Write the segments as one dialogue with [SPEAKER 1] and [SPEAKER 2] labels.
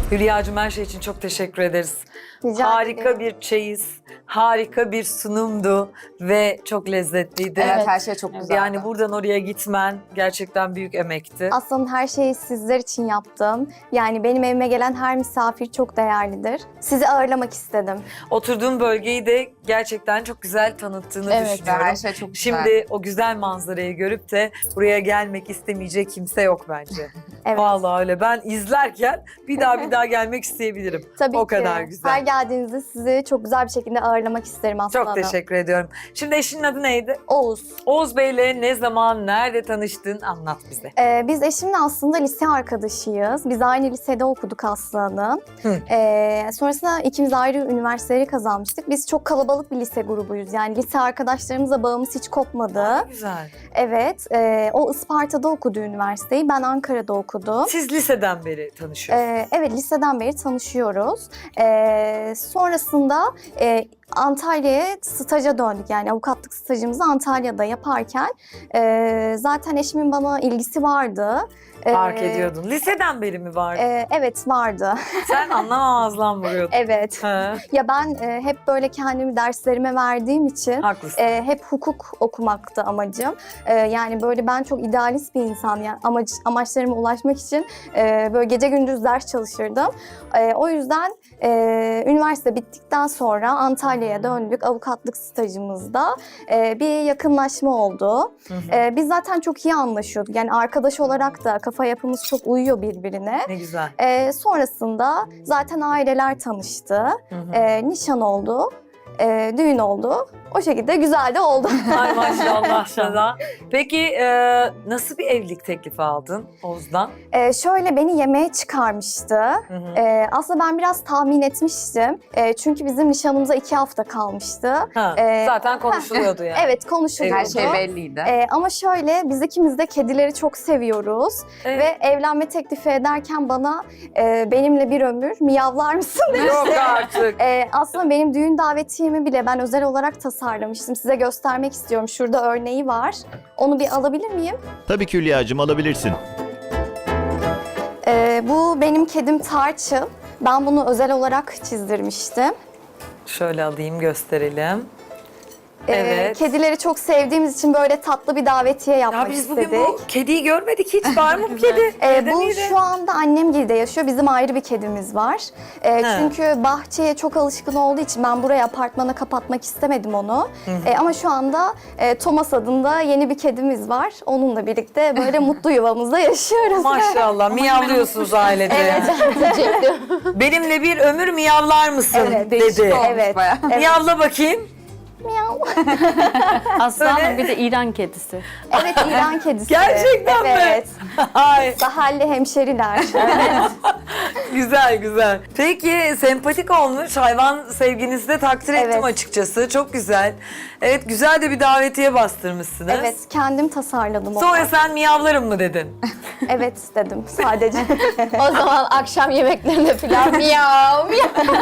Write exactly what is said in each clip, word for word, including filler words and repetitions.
[SPEAKER 1] Hülya'cığım her şey için çok teşekkür ederiz.
[SPEAKER 2] Rica
[SPEAKER 1] Harika
[SPEAKER 2] ederim.
[SPEAKER 1] bir çeyiz, harika bir sunumdu ve çok lezzetliydi.
[SPEAKER 3] Evet, her şey çok güzeldi.
[SPEAKER 1] Yani buradan oraya gitmen gerçekten büyük emekti.
[SPEAKER 2] Aslında her şeyi sizler için yaptım. Yani benim evime gelen her misafir çok değerlidir. Sizi ağırlamak istedim.
[SPEAKER 1] Oturduğum bölgeyi de gerçekten çok güzel tanıttığını
[SPEAKER 3] Evet,
[SPEAKER 1] düşünüyorum.
[SPEAKER 3] her şey çok güzel.
[SPEAKER 1] Şimdi o güzel manzarayı görüp de buraya gelmek istemeyecek kimse yok bence.
[SPEAKER 2] Evet.
[SPEAKER 1] Vallahi öyle. Ben izlerken bir daha bir daha gelmek isteyebilirim.
[SPEAKER 2] Tabii
[SPEAKER 1] o
[SPEAKER 2] ki.
[SPEAKER 1] kadar güzel.
[SPEAKER 2] Her geldiğinizde sizi çok güzel bir şekilde ağırlamak isterim Aslı
[SPEAKER 1] Çok
[SPEAKER 2] Hanım.
[SPEAKER 1] teşekkür ediyorum. Şimdi eşinin adı neydi?
[SPEAKER 2] Oğuz.
[SPEAKER 1] Oğuz Bey'le ne zaman, nerede tanıştın? Anlat bize.
[SPEAKER 2] Ee, biz eşimle aslında lise arkadaşıyız. Biz aynı lisede okuduk Aslı Hanım.
[SPEAKER 1] Hı.
[SPEAKER 2] Ee, sonrasında ikimiz ayrı üniversiteleri kazanmıştık. Biz çok kalabalık bir lise grubuyuz. Yani lise arkadaşlarımızla bağımız hiç kopmadı.
[SPEAKER 1] Güzel.
[SPEAKER 2] Evet, e, o Isparta'da okudu üniversiteyi. Ben Ankara'da okudum.
[SPEAKER 1] Siz liseden beri tanışıyorsunuz.
[SPEAKER 2] Ee, evet, liseden beri tanışıyoruz. Ee, sonrasında e, Antalya'ya staja döndük. Yani avukatlık stajımızı Antalya'da yaparken e, zaten eşimin bana ilgisi vardı. Ee,
[SPEAKER 1] Fark ediyordun. Liseden beri mi vardı?
[SPEAKER 2] e, evet, vardı.
[SPEAKER 1] Sen anlamamazlan vuruyordun.
[SPEAKER 2] Evet.
[SPEAKER 1] Ha,
[SPEAKER 2] Ya ben e, hep böyle kendimi derslerime verdiğim için
[SPEAKER 1] haklısın.
[SPEAKER 2] e, hep hukuk okumaktı amacım. E, yani böyle ben çok idealist bir insan, yani amaç, amaçlarıma ulaşmak için e, böyle gece gündüz ders çalışırdım. E, o yüzden e, üniversite bittikten sonra Antalya'ya döndük. Avukatlık stajımızda e, bir yakınlaşma oldu.
[SPEAKER 1] Hı hı.
[SPEAKER 2] E, biz zaten çok iyi anlaşıyorduk. Yani arkadaş olarak da kafa yapımız çok uyuyor birbirine.
[SPEAKER 1] Ne güzel.
[SPEAKER 2] E, sonrasında zaten aileler tanıştı.
[SPEAKER 1] Hı hı.
[SPEAKER 2] E, nişan oldu, e, düğün oldu. O şekilde güzel de oldu.
[SPEAKER 1] Ay maşallah sana. Peki e, nasıl bir evlilik teklifi aldın Oğuz'dan?
[SPEAKER 2] E, şöyle beni yemeğe çıkarmıştı.
[SPEAKER 1] Hı hı.
[SPEAKER 2] E, aslında ben biraz tahmin etmiştim. E, çünkü bizim nişanımıza iki hafta kalmıştı.
[SPEAKER 1] Ha,
[SPEAKER 2] e,
[SPEAKER 1] zaten konuşuluyordu yani.
[SPEAKER 2] Evet, konuşuluyordu.
[SPEAKER 3] Her şey belliydi.
[SPEAKER 2] E, ama şöyle, biz ikimiz de kedileri çok seviyoruz.
[SPEAKER 1] Evet.
[SPEAKER 2] Ve evlenme teklifi ederken bana e, benimle bir ömür miyavlar mısın demişti.
[SPEAKER 1] Yok artık.
[SPEAKER 2] Ee, aslında benim düğün davetiyemi bile ben özel olarak tasarlamıştım. Size göstermek istiyorum. Şurada örneği var. Onu bir alabilir miyim?
[SPEAKER 4] Tabii ki Hülya'cığım, alabilirsin.
[SPEAKER 2] Ee, bu benim kedim Tarçın. Ben bunu özel olarak çizdirmiştim.
[SPEAKER 1] Şöyle alayım gösterelim.
[SPEAKER 2] Ee,
[SPEAKER 1] Evet.
[SPEAKER 2] Kedileri çok sevdiğimiz için böyle tatlı bir davetiye yapmak
[SPEAKER 1] Ya biz
[SPEAKER 2] istedik.
[SPEAKER 1] bugün bu kediyi görmedik hiç. Var mı bu kedi?
[SPEAKER 2] Ee,
[SPEAKER 1] Evde
[SPEAKER 2] bu
[SPEAKER 1] miydi?
[SPEAKER 2] şu anda annemgilde yaşıyor. Bizim ayrı bir kedimiz var. Ee,
[SPEAKER 1] He.
[SPEAKER 2] çünkü bahçeye çok alışkın olduğu için ben buraya apartmana kapatmak istemedim onu. Ee, ama şu anda e, Thomas adında yeni bir kedimiz var. Onunla birlikte böyle mutlu yuvamızda yaşıyoruz.
[SPEAKER 1] Maşallah miyavlıyorsunuz ailece.
[SPEAKER 2] Evet.
[SPEAKER 1] Benimle bir ömür miyavlar mısın
[SPEAKER 2] Evet,
[SPEAKER 1] dedi.
[SPEAKER 3] Olmuş
[SPEAKER 2] Evet.
[SPEAKER 3] bayağı.
[SPEAKER 1] Miyavla bakayım.
[SPEAKER 2] Miyav.
[SPEAKER 5] Aslanım bir de İran kedisi.
[SPEAKER 2] Evet, İran kedisi.
[SPEAKER 1] Gerçekten mi?
[SPEAKER 2] Evet.
[SPEAKER 1] Ay
[SPEAKER 2] Sahalli hemşeriler.
[SPEAKER 1] güzel güzel. Peki sempatik olmuş. Hayvan sevginizi de takdir ettim
[SPEAKER 2] Evet.
[SPEAKER 1] açıkçası. Çok güzel. Evet güzel de bir davetiye bastırmışsınız.
[SPEAKER 2] Evet, kendim tasarladım onu.
[SPEAKER 1] Sonra sen miyavlarım mı dedin?
[SPEAKER 2] Evet dedim sadece.
[SPEAKER 5] O zaman akşam yemeklerinde falan miyav miyav.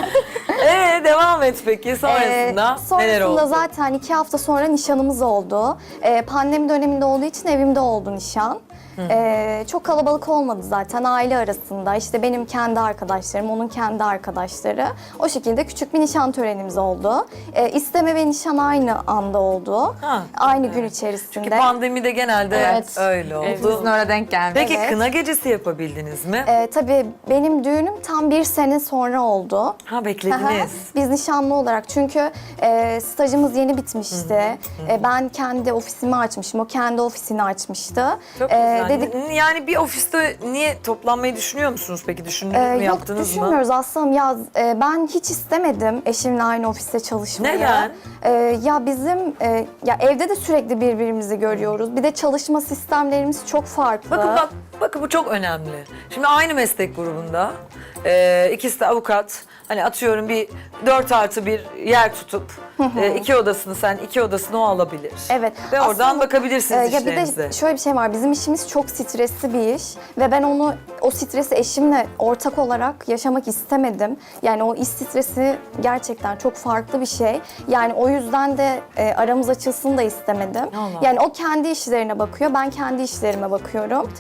[SPEAKER 1] Ee devam et peki sonrasında
[SPEAKER 2] Ee,
[SPEAKER 1] neler oldu?
[SPEAKER 2] Sonrasında zaten iki hafta sonra nişanımız oldu. Ee, pandemi döneminde olduğu için evimde oldu nişan. Ee, çok kalabalık olmadı zaten aile arasında. İşte benim kendi arkadaşlarım, onun kendi arkadaşları. O şekilde küçük bir nişan törenimiz oldu. Ee, isteme ve nişan aynı anda oldu.
[SPEAKER 1] Ha,
[SPEAKER 2] Aynı gün içerisinde.
[SPEAKER 1] Çünkü pandemide genelde
[SPEAKER 5] Evet.
[SPEAKER 1] öyle oldu.
[SPEAKER 3] Hepimizin öyle denk gelmiş.
[SPEAKER 1] Peki
[SPEAKER 2] Evet.
[SPEAKER 1] kına gecesi yapabildiniz mi?
[SPEAKER 2] Ee, tabii benim düğünüm tam bir sene sonra oldu.
[SPEAKER 1] Ha
[SPEAKER 2] Aha,
[SPEAKER 1] beklediniz.
[SPEAKER 2] Biz nişanlı olarak çünkü e, stajımız yeni bitmişti. E, ben kendi ofisimi açmışım, o kendi ofisini açmıştı.
[SPEAKER 1] Çok
[SPEAKER 2] E,
[SPEAKER 1] güzel.
[SPEAKER 2] dedik,
[SPEAKER 1] N- Yani bir ofiste niye toplanmayı düşünüyor musunuz peki? Düşündünüz
[SPEAKER 2] e,
[SPEAKER 1] mü,
[SPEAKER 2] yok
[SPEAKER 1] yaptınız mı?
[SPEAKER 2] düşünmüyoruz aslında. Ya e, ben hiç istemedim eşimle aynı ofiste çalışmayı.
[SPEAKER 1] Neden?
[SPEAKER 2] E, ya bizim e, ya evde de sürekli birbirimizi görüyoruz. Bir de çalışma sistemlerimiz çok farklı.
[SPEAKER 1] Bakın bak, bakın bu çok önemli. Şimdi aynı meslek grubunda e, ikisi de avukat. Hani atıyorum bir dört artı bir yer tutup e, iki odasını sen, iki odasını o alabilir.
[SPEAKER 2] Evet.
[SPEAKER 1] Ve oradan
[SPEAKER 2] Aslında,
[SPEAKER 1] bakabilirsiniz
[SPEAKER 2] e, ya bir
[SPEAKER 1] işlerinize.
[SPEAKER 2] de şöyle bir şey var. Bizim işimiz çok stresli bir iş ve ben onu o stresi eşimle ortak olarak yaşamak istemedim. Yani o iş stresi gerçekten çok farklı bir şey. Yani o yüzden de e, aramız açılsın da istemedim.
[SPEAKER 1] Allah.
[SPEAKER 2] Yani o kendi işlerine bakıyor, ben kendi işlerime bakıyorum.
[SPEAKER 3] Tercih meselesi.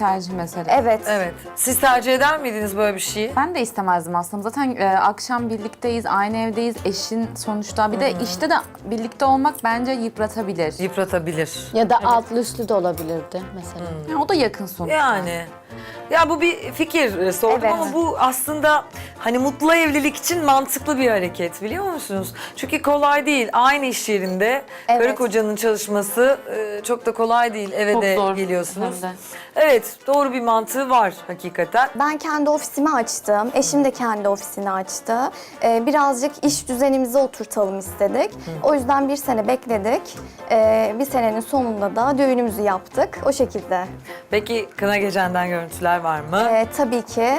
[SPEAKER 3] mesela.
[SPEAKER 2] Evet.
[SPEAKER 1] Evet. Siz tercih eder miydiniz böyle bir şeyi?
[SPEAKER 3] Ben de istemezdim aslında. Zaten e, akşam birlikteyiz, aynı evdeyiz. Eşin sonuçta. Bir de işte de birlikte olmak bence yıpratabilir.
[SPEAKER 1] Yıpratabilir.
[SPEAKER 5] Ya da altlı üstlü de olabilirdi mesela.
[SPEAKER 3] Yani o da yakın sonuçta.
[SPEAKER 1] Yani. Ya bu bir fikir e, sordum
[SPEAKER 2] Evet.
[SPEAKER 1] ama bu aslında hani mutlu evlilik için mantıklı bir hareket biliyor musunuz? Çünkü kolay değil. Aynı iş yerinde
[SPEAKER 2] Evet.
[SPEAKER 1] karı kocanın çalışması e, çok da kolay değil. Eve
[SPEAKER 6] Çok
[SPEAKER 1] de
[SPEAKER 6] zor
[SPEAKER 1] geliyorsunuz.
[SPEAKER 6] hem de.
[SPEAKER 1] Evet, doğru bir mantığı var hakikaten.
[SPEAKER 2] Ben kendi ofisimi açtım. Eşim de kendi ofisini açtı. Ee, birazcık iş düzenimizi oturtalım istedik. O yüzden bir sene bekledik. Ee, bir senenin sonunda da düğünümüzü yaptık. O şekilde.
[SPEAKER 1] Peki kına gecenden görüntüler var mı?
[SPEAKER 2] Ee, tabii ki.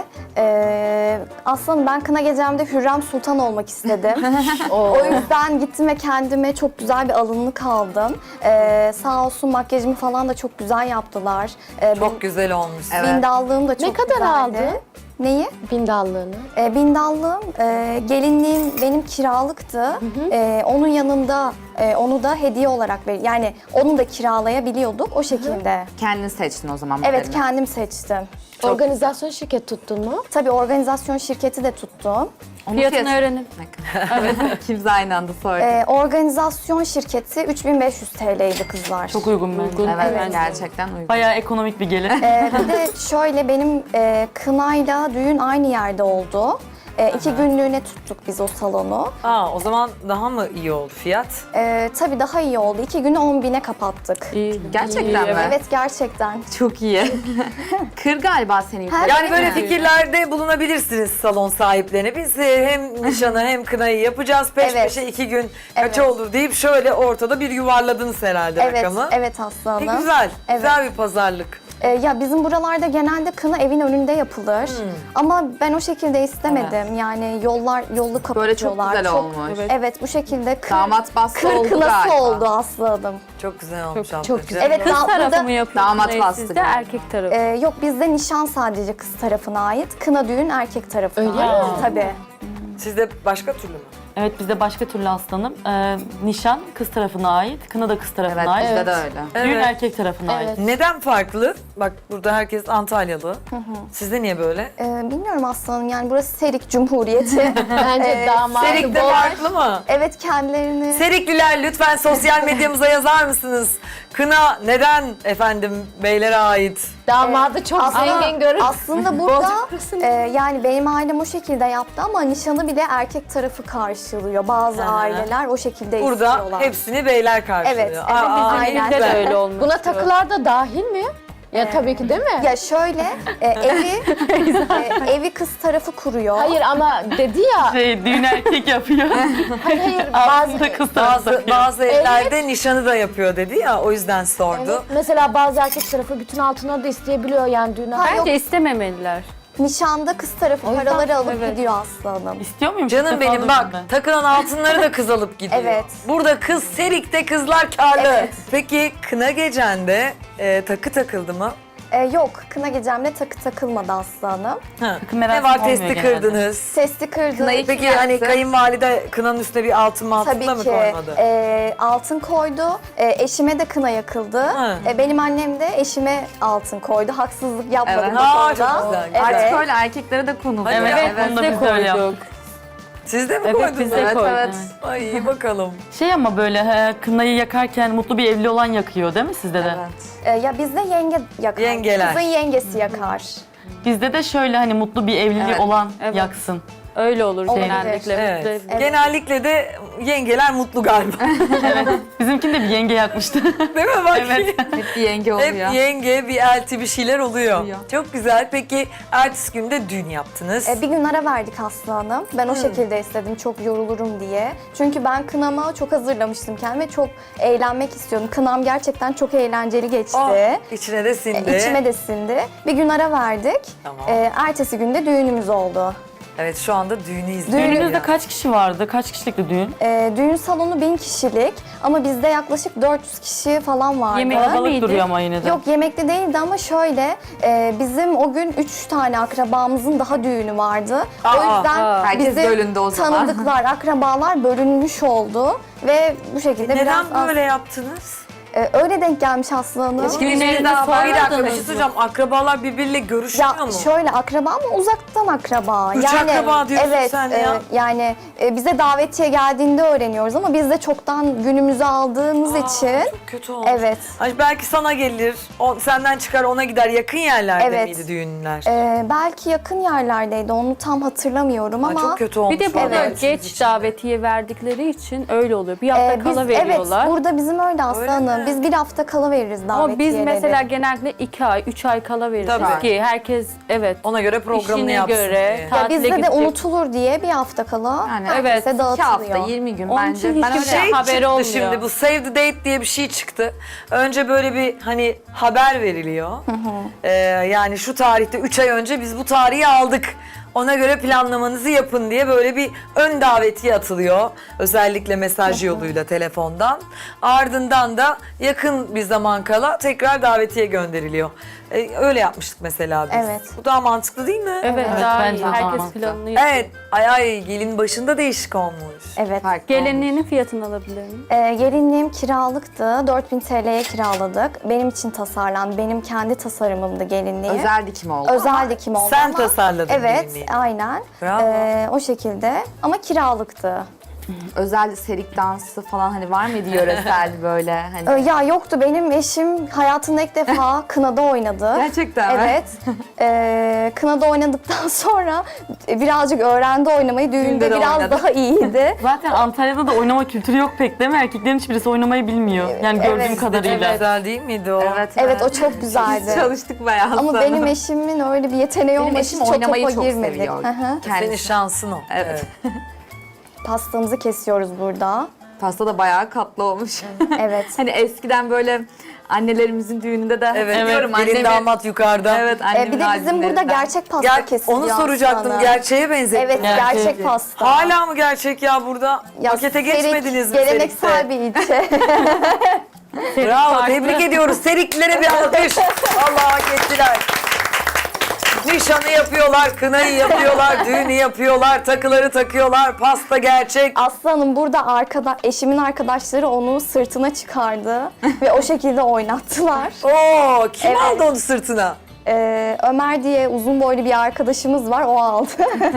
[SPEAKER 2] Ee, aslında ben kına gecemde Hürrem Sultan olmak istedim. O yüzden gittim ve kendime çok güzel bir alınlık aldım. Ee, sağ olsun makyajımı falan da çok güzel yaptılar. Ee,
[SPEAKER 1] Çok güzel olmuş.
[SPEAKER 3] Evet.
[SPEAKER 2] Bindallığım da çok
[SPEAKER 5] kadar
[SPEAKER 2] güzeldi.
[SPEAKER 5] aldı?
[SPEAKER 2] Neyi?
[SPEAKER 5] Bindallığını.
[SPEAKER 2] E, bindallığım, e, gelinliğim benim kiralıktı. E, onun yanında e, onu da hediye olarak ver. Yani onu da kiralayabiliyorduk o şekilde.
[SPEAKER 3] Kendin seçtin o zaman
[SPEAKER 2] Evet,
[SPEAKER 3] modelini.
[SPEAKER 2] kendim seçtim.
[SPEAKER 5] Organizasyon şirket tuttun mu?
[SPEAKER 2] Tabii organizasyon şirketi de tuttum.
[SPEAKER 3] Onun
[SPEAKER 6] Fiyatını
[SPEAKER 3] fiyatı-
[SPEAKER 6] öğrenin.
[SPEAKER 3] Evet. İkimiz aynı anda sorduk.
[SPEAKER 2] E, organizasyon şirketi üç bin beş yüz T L'ydi kızlar.
[SPEAKER 6] Çok uygun bence.
[SPEAKER 3] evet,
[SPEAKER 2] evet.
[SPEAKER 3] gerçekten uygun.
[SPEAKER 6] Bayağı ekonomik bir gelir.
[SPEAKER 2] E, bir de şöyle benim e, kınayla düğün aynı yerde oldu. E, iki günlüğüne tuttuk biz o salonu.
[SPEAKER 1] Aa, o zaman daha mı iyi oldu fiyat?
[SPEAKER 2] E, tabii daha iyi oldu. İki günü on bine kapattık.
[SPEAKER 6] İyi.
[SPEAKER 3] Gerçekten mi?
[SPEAKER 2] Evet, gerçekten.
[SPEAKER 3] Çok iyi. Kır galiba seni yukarı.
[SPEAKER 1] Yani böyle
[SPEAKER 3] değil mi?
[SPEAKER 1] fikirlerde bulunabilirsiniz salon sahiplerine. Biz e, hem nişanı hem kınayı yapacağız. Peş
[SPEAKER 2] Evet.
[SPEAKER 1] peşe iki gün kaça
[SPEAKER 2] Evet.
[SPEAKER 1] olur deyip şöyle ortada bir yuvarladınız herhalde
[SPEAKER 2] Evet,
[SPEAKER 1] rakamı.
[SPEAKER 2] evet Aslı
[SPEAKER 1] E,
[SPEAKER 2] Hanım.
[SPEAKER 1] güzel,
[SPEAKER 2] Evet.
[SPEAKER 1] güzel bir pazarlık.
[SPEAKER 2] Ee, ya bizim buralarda genelde kına evin önünde yapılır.
[SPEAKER 1] Hmm.
[SPEAKER 2] Ama ben o şekilde istemedim. Yani yollar yollu kapatıyorlar.
[SPEAKER 3] Böyle çok güzel olmuş.
[SPEAKER 2] Evet. evet, bu şekilde kır,
[SPEAKER 3] Damat bastı
[SPEAKER 2] kır
[SPEAKER 3] oldu
[SPEAKER 2] kınası
[SPEAKER 3] galiba.
[SPEAKER 2] oldu Aslı Hanım.
[SPEAKER 1] Çok güzel olmuş
[SPEAKER 5] Çok-
[SPEAKER 1] ablacığım.
[SPEAKER 5] çok güzel.
[SPEAKER 2] Evet,
[SPEAKER 5] Kız
[SPEAKER 2] da-
[SPEAKER 5] tarafı
[SPEAKER 2] burada-
[SPEAKER 5] mı yapıyor?
[SPEAKER 3] Damat
[SPEAKER 5] kınayı
[SPEAKER 3] bastı
[SPEAKER 5] sizde,
[SPEAKER 3] galiba.
[SPEAKER 5] erkek tarafı.
[SPEAKER 2] Ee, yok, bizde nişan sadece kız tarafına ait. Kına düğün erkek tarafına
[SPEAKER 5] Öyle
[SPEAKER 2] ait.
[SPEAKER 5] mi?
[SPEAKER 2] Tabii.
[SPEAKER 1] Sizde başka türlü mü?
[SPEAKER 6] Evet bizde başka türlü aslanım. Ee, nişan kız tarafına ait, kına da kız tarafına
[SPEAKER 3] Evet,
[SPEAKER 6] ait.
[SPEAKER 3] bizde de öyle.
[SPEAKER 6] Düğün
[SPEAKER 1] Evet.
[SPEAKER 6] erkek tarafına ait.
[SPEAKER 5] Evet.
[SPEAKER 1] Neden farklı? Bak burada herkes Antalyalı. Sizde niye böyle?
[SPEAKER 2] Ee, bilmiyorum Aslı Hanım, yani burası Serik Cumhuriyeti.
[SPEAKER 5] Bence
[SPEAKER 2] Ee,
[SPEAKER 5] damadı
[SPEAKER 1] Serik'te
[SPEAKER 5] bol.
[SPEAKER 1] farklı mı?
[SPEAKER 2] evet, kendilerini...
[SPEAKER 1] Serikliler lütfen sosyal medyamıza yazar mısınız? Kına neden efendim beylere ait?
[SPEAKER 5] Damadı çok
[SPEAKER 2] Aslında-
[SPEAKER 5] zengin görün.
[SPEAKER 2] Aslında burada e, yani benim ailem o şekilde yaptı ama nişanı bile erkek tarafı karşılıyor. Bazı
[SPEAKER 1] Aha.
[SPEAKER 2] aileler o şekilde
[SPEAKER 1] Burada
[SPEAKER 2] istiyorlar.
[SPEAKER 1] hepsini beyler karşılıyor.
[SPEAKER 2] Evet, evet,
[SPEAKER 1] Aa,
[SPEAKER 2] aynen.
[SPEAKER 1] ne
[SPEAKER 5] Bizde de
[SPEAKER 1] güzel.
[SPEAKER 5] öyle olmuş. Buna takılar da dahil mi? Ya tabii ki değil mi?
[SPEAKER 2] Ya şöyle e, evi e, evi kız tarafı kuruyor.
[SPEAKER 5] Hayır ama dedi ya.
[SPEAKER 6] Şey, düğün erkek yapıyor.
[SPEAKER 5] Hayır hayır.
[SPEAKER 6] Aslında
[SPEAKER 5] Bazı,
[SPEAKER 6] kız tarafı
[SPEAKER 1] Bazı,
[SPEAKER 6] takıyor.
[SPEAKER 1] bazı evlerde nişanı da yapıyor dedi ya, o yüzden sordu.
[SPEAKER 5] evet, mesela bazı erkek tarafı bütün altınları da isteyebiliyor yani düğüne.
[SPEAKER 2] Hayır, yok.
[SPEAKER 6] Bence istememeliler.
[SPEAKER 2] Nişanda kız tarafı
[SPEAKER 5] O yüzden-
[SPEAKER 2] paraları alıp
[SPEAKER 5] evet.
[SPEAKER 2] gidiyor Aslı Hanım.
[SPEAKER 6] İstiyor muyum?
[SPEAKER 1] Canım
[SPEAKER 6] İlk defa
[SPEAKER 1] benim
[SPEAKER 6] duydum
[SPEAKER 1] bak,
[SPEAKER 6] ben.
[SPEAKER 1] takılan altınları da kız alıp gidiyor.
[SPEAKER 2] Evet.
[SPEAKER 1] Burada kız Serik'te kızlar karlı.
[SPEAKER 2] Evet.
[SPEAKER 1] Peki kına gecende e, takı takıldı mı?
[SPEAKER 2] E, yok, kına gecemde takı takılmadı Aslı Hanım.
[SPEAKER 1] Ha.
[SPEAKER 6] Takı
[SPEAKER 1] Ne
[SPEAKER 6] merasimi
[SPEAKER 1] var,
[SPEAKER 6] olmuyor
[SPEAKER 1] testi
[SPEAKER 6] genelde.
[SPEAKER 1] kırdınız.
[SPEAKER 2] Testi kırdı.
[SPEAKER 3] Kınayı
[SPEAKER 1] Peki
[SPEAKER 3] Kim
[SPEAKER 1] hani
[SPEAKER 3] yaptı?
[SPEAKER 1] kayınvalide kınanın üstüne bir altın mı altın
[SPEAKER 2] Tabii
[SPEAKER 1] da mı
[SPEAKER 2] ki
[SPEAKER 1] koymadı?
[SPEAKER 2] e, altın koydu. E, eşime de kına yakıldı.
[SPEAKER 1] Ha.
[SPEAKER 2] E, benim annem de eşime altın koydu. Haksızlık yapmadım
[SPEAKER 3] Evet.
[SPEAKER 2] bu
[SPEAKER 1] Aa,
[SPEAKER 2] konuda.
[SPEAKER 1] çok güzel.
[SPEAKER 2] Evet.
[SPEAKER 3] Artık öyle erkeklere de konu.
[SPEAKER 1] Hadi
[SPEAKER 6] Evet,
[SPEAKER 1] ya.
[SPEAKER 6] onu da biz de öyle yaptık.
[SPEAKER 1] Siz de mi
[SPEAKER 6] Evet,
[SPEAKER 1] koydunuz?
[SPEAKER 6] biz de
[SPEAKER 3] Evet,
[SPEAKER 6] koyduk.
[SPEAKER 3] evet.
[SPEAKER 1] Ay iyi bakalım.
[SPEAKER 6] Şey ama böyle he, kınayı yakarken mutlu bir evli olan yakıyor değil mi sizde de?
[SPEAKER 3] Evet.
[SPEAKER 2] E, ya bizde yenge yakar.
[SPEAKER 1] Yengeler.
[SPEAKER 2] Kızın yengesi yakar.
[SPEAKER 6] Bizde de şöyle hani mutlu bir evliliği
[SPEAKER 3] Evet.
[SPEAKER 6] olan
[SPEAKER 5] Evet.
[SPEAKER 6] yaksın.
[SPEAKER 5] Öyle olur
[SPEAKER 2] Olabilir.
[SPEAKER 5] genellikle.
[SPEAKER 1] Evet.
[SPEAKER 5] Bizde-
[SPEAKER 2] Evet.
[SPEAKER 1] Genellikle de yengeler mutlu galiba.
[SPEAKER 6] Bizimkini de bir yenge yakmıştı.
[SPEAKER 1] Değil mi? Bak.
[SPEAKER 6] Evet.
[SPEAKER 3] Hep bir yenge oluyor.
[SPEAKER 1] Hep yenge, bir elti bir şeyler oluyor.
[SPEAKER 3] Oluyor.
[SPEAKER 1] Çok güzel. Peki ertesi günde düğün yaptınız.
[SPEAKER 2] E, bir gün ara verdik Aslı Hanım. Ben o şekilde istedim, çok yorulurum diye. Çünkü ben kınama çok hazırlamıştım kendime. Çok eğlenmek istiyordum. Kınam gerçekten çok eğlenceli geçti.
[SPEAKER 1] Oh, içine de sindi.
[SPEAKER 2] E, içime de sindi. Bir gün ara verdik.
[SPEAKER 1] Tamam.
[SPEAKER 2] E, ertesi günde düğünümüz oldu.
[SPEAKER 1] Evet, şu anda düğünü izliyoruz.
[SPEAKER 6] Düğününüzde kaç kişi vardı? Kaç kişilikti düğün?
[SPEAKER 2] E, düğün salonu bin kişilik ama bizde yaklaşık dört yüz kişi falan vardı.
[SPEAKER 6] Yemek balık duruyor ama yine de.
[SPEAKER 2] Yok, yemekli değildi ama şöyle e, bizim o gün üç tane akrabamızın daha düğünü vardı.
[SPEAKER 1] Aa,
[SPEAKER 2] o yüzden
[SPEAKER 3] aa. Herkes
[SPEAKER 2] bizim
[SPEAKER 3] bölündü o zaman.
[SPEAKER 2] tanıdıklar, akrabalar bölünmüş oldu ve bu şekilde
[SPEAKER 1] Neden
[SPEAKER 2] biraz az-
[SPEAKER 1] böyle yaptınız?
[SPEAKER 2] Ee, öyle denk gelmiş Aslı Hanım.
[SPEAKER 1] İlişkinizde
[SPEAKER 6] daha
[SPEAKER 1] bir dakika bir
[SPEAKER 6] sormadınız
[SPEAKER 1] şey
[SPEAKER 6] mı?
[SPEAKER 1] söyleyeceğim. Akrabalar birbiriyle görüşüyor
[SPEAKER 2] Ya
[SPEAKER 1] mu?
[SPEAKER 2] şöyle akraba ama uzaktan akraba.
[SPEAKER 1] Üç akraba diyorsun
[SPEAKER 2] evet,
[SPEAKER 1] sen
[SPEAKER 2] e,
[SPEAKER 1] ya.
[SPEAKER 2] yani e, bize davetiye geldiğinde öğreniyoruz ama biz de çoktan günümüzü aldığımız
[SPEAKER 1] Aa,
[SPEAKER 2] için.
[SPEAKER 1] çok kötü olmuş.
[SPEAKER 2] Evet.
[SPEAKER 1] Ay belki sana gelir, o, senden çıkar ona gider. Yakın yerlerde
[SPEAKER 2] Evet.
[SPEAKER 1] miydi düğünler?
[SPEAKER 2] e, belki yakın yerlerdeydi, onu tam hatırlamıyorum
[SPEAKER 1] Ay,
[SPEAKER 2] ama.
[SPEAKER 1] çok kötü olmuş.
[SPEAKER 7] Bir de burada
[SPEAKER 1] vallahi sizin
[SPEAKER 7] geç
[SPEAKER 1] için.
[SPEAKER 7] davetiye verdikleri için öyle oluyor. Bir hafta
[SPEAKER 2] e, biz,
[SPEAKER 7] kala
[SPEAKER 2] evet,
[SPEAKER 7] veriyorlar.
[SPEAKER 2] burada bizim öyle Aslı
[SPEAKER 1] Öyle
[SPEAKER 2] Hanım.
[SPEAKER 1] mi?
[SPEAKER 2] Biz bir hafta kala veririz davetiyeleri.
[SPEAKER 7] Ama biz mesela genellikle iki ay, üç ay kala veririz
[SPEAKER 1] Tabii.
[SPEAKER 7] ki herkes evet
[SPEAKER 1] Ona göre programını
[SPEAKER 7] işine
[SPEAKER 1] yapsın
[SPEAKER 7] göre
[SPEAKER 1] diye.
[SPEAKER 7] ta-
[SPEAKER 2] Ya
[SPEAKER 7] tatile
[SPEAKER 2] bizde de
[SPEAKER 7] gidecek.
[SPEAKER 2] unutulur diye bir hafta kala
[SPEAKER 3] Yani
[SPEAKER 2] herkese
[SPEAKER 7] evet, iki
[SPEAKER 3] İki
[SPEAKER 2] dağıtılıyor.
[SPEAKER 3] hafta, yirmi gün
[SPEAKER 7] Onun
[SPEAKER 3] bence.
[SPEAKER 7] için
[SPEAKER 3] Ben
[SPEAKER 7] hiçbir
[SPEAKER 3] öyle
[SPEAKER 1] Şey
[SPEAKER 7] haberi
[SPEAKER 1] çıktı
[SPEAKER 7] olmuyor.
[SPEAKER 1] şimdi, bu Save the Date diye bir şey çıktı. Önce böyle bir hani haber veriliyor. Ee, yani şu tarihte üç ay önce biz bu tarihi aldık. Ona göre planlamanızı yapın diye böyle bir ön davetiye atılıyor. Özellikle mesaj yoluyla telefondan. Ardından da yakın bir zaman kala tekrar davetiye gönderiliyor. Ee, öyle yapmıştık mesela biz.
[SPEAKER 2] Evet.
[SPEAKER 1] Bu daha mantıklı değil mi?
[SPEAKER 7] Evet,
[SPEAKER 6] Evet,
[SPEAKER 7] daha
[SPEAKER 6] bence
[SPEAKER 7] iyi.
[SPEAKER 6] de
[SPEAKER 7] Herkes
[SPEAKER 6] mantıklı.
[SPEAKER 7] planını yapıyor.
[SPEAKER 1] Evet. Ay ay gelin başında değişik olmuş.
[SPEAKER 2] Evet.
[SPEAKER 3] farklı olmuş.
[SPEAKER 7] Gelinliğinin fiyatını alabilir miyim?
[SPEAKER 2] Ee, gelinliğim kiralıktı. dört bin T L'ye kiraladık. Benim için tasarlandı. Benim kendi tasarımımdı gelinliği.
[SPEAKER 3] Özel dikim oldu.
[SPEAKER 2] Özel dikim oldu
[SPEAKER 1] Sen
[SPEAKER 2] ama-
[SPEAKER 1] tasarladın
[SPEAKER 2] Evet,
[SPEAKER 1] gelinliği.
[SPEAKER 2] aynen.
[SPEAKER 1] Bravo.
[SPEAKER 2] Ee, o şekilde ama kiralıktı.
[SPEAKER 3] Özel serik dansı falan hani var mıydı yöresel böyle hani?
[SPEAKER 2] Ee, ya yoktu. Benim eşim hayatında ilk defa kınada oynadı.
[SPEAKER 3] Gerçekten mi?
[SPEAKER 2] Evet. Ee, kınada oynadıktan sonra birazcık öğrendi oynamayı. Düğünde
[SPEAKER 3] Düğünde de
[SPEAKER 2] biraz
[SPEAKER 3] oynadı.
[SPEAKER 2] daha iyiydi.
[SPEAKER 6] Zaten Antalya'da da oynama kültürü yok pek değil mi? Erkeklerin hiçbirisi oynamayı bilmiyor. Yani gördüğüm
[SPEAKER 2] Evet,
[SPEAKER 6] kadarıyla.
[SPEAKER 1] Güzel değil miydi o?
[SPEAKER 3] Evet,
[SPEAKER 2] Evet, o çok güzeldi.
[SPEAKER 3] Çalıştık bayağı
[SPEAKER 2] Ama
[SPEAKER 3] sonra.
[SPEAKER 2] benim eşimin öyle bir yeteneği
[SPEAKER 3] Benim
[SPEAKER 2] olmadığı
[SPEAKER 3] eşim
[SPEAKER 2] için çok
[SPEAKER 3] oynamayı
[SPEAKER 2] topa
[SPEAKER 3] çok
[SPEAKER 2] girmedik.
[SPEAKER 3] seviyor.
[SPEAKER 2] Hı hı.
[SPEAKER 1] Senin
[SPEAKER 3] Kendisi.
[SPEAKER 1] şansın o.
[SPEAKER 3] Evet.
[SPEAKER 2] Pastamızı kesiyoruz burada.
[SPEAKER 3] Pasta da bayağı katlı olmuş.
[SPEAKER 2] Evet.
[SPEAKER 3] Hani eskiden böyle annelerimizin düğününde de
[SPEAKER 1] Evet,
[SPEAKER 3] hatırlıyorum
[SPEAKER 1] gelin
[SPEAKER 3] annemi-
[SPEAKER 1] damat yukarıda.
[SPEAKER 3] Evet,
[SPEAKER 2] Ee,
[SPEAKER 3] annemin
[SPEAKER 2] bir de bizim burada
[SPEAKER 3] albümlerinden.
[SPEAKER 2] gerçek pasta
[SPEAKER 1] Ger-
[SPEAKER 2] kesiliyor.
[SPEAKER 1] onu soracaktım,
[SPEAKER 2] aslında.
[SPEAKER 1] gerçeğe benzettim.
[SPEAKER 2] Evet,
[SPEAKER 6] Gerçek.
[SPEAKER 2] gerçek pasta.
[SPEAKER 1] Hala mı gerçek ya burada?
[SPEAKER 2] Ya,
[SPEAKER 1] Pakete
[SPEAKER 2] Serik,
[SPEAKER 1] geçmediniz mi
[SPEAKER 2] geleneksel
[SPEAKER 1] Serik'te?
[SPEAKER 2] bir ilçe.
[SPEAKER 1] Bravo,
[SPEAKER 6] farklı.
[SPEAKER 1] tebrik ediyoruz. Seriklilere bir alkış. Allah hak ettiler. Nişanı yapıyorlar, kınayı yapıyorlar, düğünü yapıyorlar, takıları takıyorlar, pasta gerçek.
[SPEAKER 2] Aslanım burada arkada, eşimin arkadaşları onu sırtına çıkardı ve o şekilde oynattılar.
[SPEAKER 1] Oo, kim
[SPEAKER 2] Evet.
[SPEAKER 1] aldı onu sırtına?
[SPEAKER 2] Ee, Ömer diye uzun boylu bir arkadaşımız var, o aldı.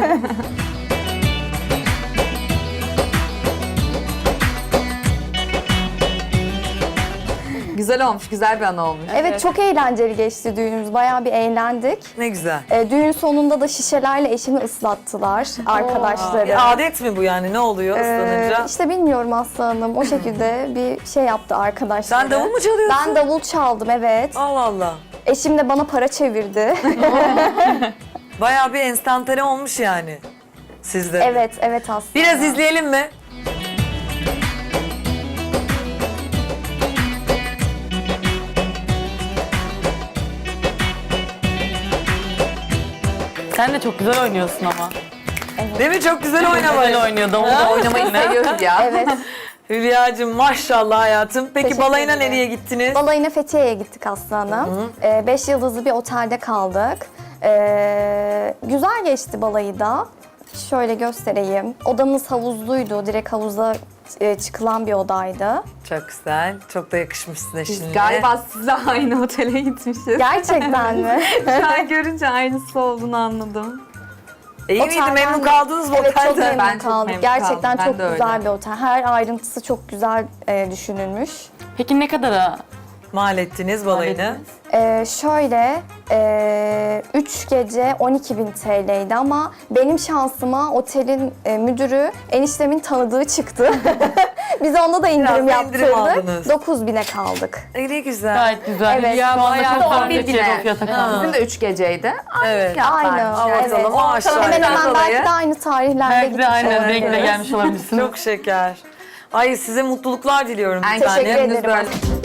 [SPEAKER 3] Güzel olmuş, güzel bir anı olmuş.
[SPEAKER 2] Evet, çok eğlenceli geçti düğünümüz. Bayağı bir eğlendik.
[SPEAKER 1] Ne güzel.
[SPEAKER 2] Ee, düğün sonunda da şişelerle eşimi ıslattılar arkadaşları.
[SPEAKER 1] Bir adet mi bu yani? Ne oluyor
[SPEAKER 2] Ee,
[SPEAKER 1] ıslanınca?
[SPEAKER 2] işte bilmiyorum Aslanım. O şekilde bir şey yaptı arkadaşlar.
[SPEAKER 1] Sen davul mu çalıyorsun?
[SPEAKER 2] Ben davul çaldım, evet.
[SPEAKER 1] Allah Allah.
[SPEAKER 2] Eşim de bana para çevirdi.
[SPEAKER 1] Bayağı bir enstantane olmuş yani sizde. de.
[SPEAKER 2] evet, evet aslında.
[SPEAKER 1] Biraz izleyelim mi?
[SPEAKER 6] Sen de çok güzel oynuyorsun ama.
[SPEAKER 1] Değil mi? Çok güzel oynamayı.
[SPEAKER 6] Güzel oynuyor. Davul da
[SPEAKER 3] Oynamayı seviyoruz ya.
[SPEAKER 2] Evet.
[SPEAKER 1] Hülya'cığım maşallah hayatım. Peki
[SPEAKER 2] Teşekkür
[SPEAKER 1] balayına
[SPEAKER 2] ederim.
[SPEAKER 1] nereye gittiniz?
[SPEAKER 2] Balayına Fethiye'ye gittik Aslanım. Ee, beş yıldızlı bir otelde kaldık. Ee, güzel geçti balayı da. Şöyle göstereyim. Odamız havuzluydu. Direkt havuza e, çıkılan bir odaydı.
[SPEAKER 1] Çok güzel. Çok da yakışmışsın eşinle.
[SPEAKER 3] Biz galiba sizle aynı otele gitmişiz.
[SPEAKER 2] Gerçekten mi?
[SPEAKER 3] Şu an görünce aynısı olduğunu anladım.
[SPEAKER 1] İyi miydi?
[SPEAKER 2] Otelden
[SPEAKER 1] Memnun
[SPEAKER 2] de-
[SPEAKER 1] kaldınız mı
[SPEAKER 2] Evet, çok
[SPEAKER 1] otelde?
[SPEAKER 2] memnun
[SPEAKER 3] Ben çok
[SPEAKER 2] kaldık.
[SPEAKER 3] memnun
[SPEAKER 2] Gerçekten
[SPEAKER 3] kaldım. Ben
[SPEAKER 2] çok
[SPEAKER 3] de öyle.
[SPEAKER 2] güzel bir otel. Her ayrıntısı çok güzel e, düşünülmüş.
[SPEAKER 6] Peki ne kadara
[SPEAKER 1] Mal ettiniz balayını.
[SPEAKER 6] hallettiniz?
[SPEAKER 2] Ee, şöyle, e, üç gece on iki bin T L'ydi ama benim şansıma otelin e, müdürü eniştemin tanıdığı çıktı. Biz onda da indirim
[SPEAKER 1] Biraz da indirim
[SPEAKER 2] yaptırdık.
[SPEAKER 1] aldınız.
[SPEAKER 2] dokuz bine kaldık.
[SPEAKER 1] E, ne güzel.
[SPEAKER 6] Gayet güzel.
[SPEAKER 2] Evet.
[SPEAKER 6] Ya,
[SPEAKER 3] Bayağı
[SPEAKER 6] bayağı çok
[SPEAKER 3] on
[SPEAKER 6] farklı
[SPEAKER 3] bir
[SPEAKER 6] bir
[SPEAKER 3] bine.
[SPEAKER 6] fiyata kaldı.
[SPEAKER 3] Bizim de üç geceydi.
[SPEAKER 1] Evet.
[SPEAKER 2] Aynı.
[SPEAKER 3] Evet.
[SPEAKER 2] Evet.
[SPEAKER 1] Ortalama aşağı.
[SPEAKER 2] Hemen hemen
[SPEAKER 3] dolayı.
[SPEAKER 2] belki de aynı tarihlerde
[SPEAKER 6] Belki
[SPEAKER 2] gitmiş
[SPEAKER 6] de aynı
[SPEAKER 2] olabiliriz.
[SPEAKER 6] renkle gelmiş olabilirsiniz.
[SPEAKER 1] Çok şeker. Ay size mutluluklar diliyorum bir
[SPEAKER 3] En
[SPEAKER 1] tane.
[SPEAKER 2] Teşekkür ederim.
[SPEAKER 3] böyle.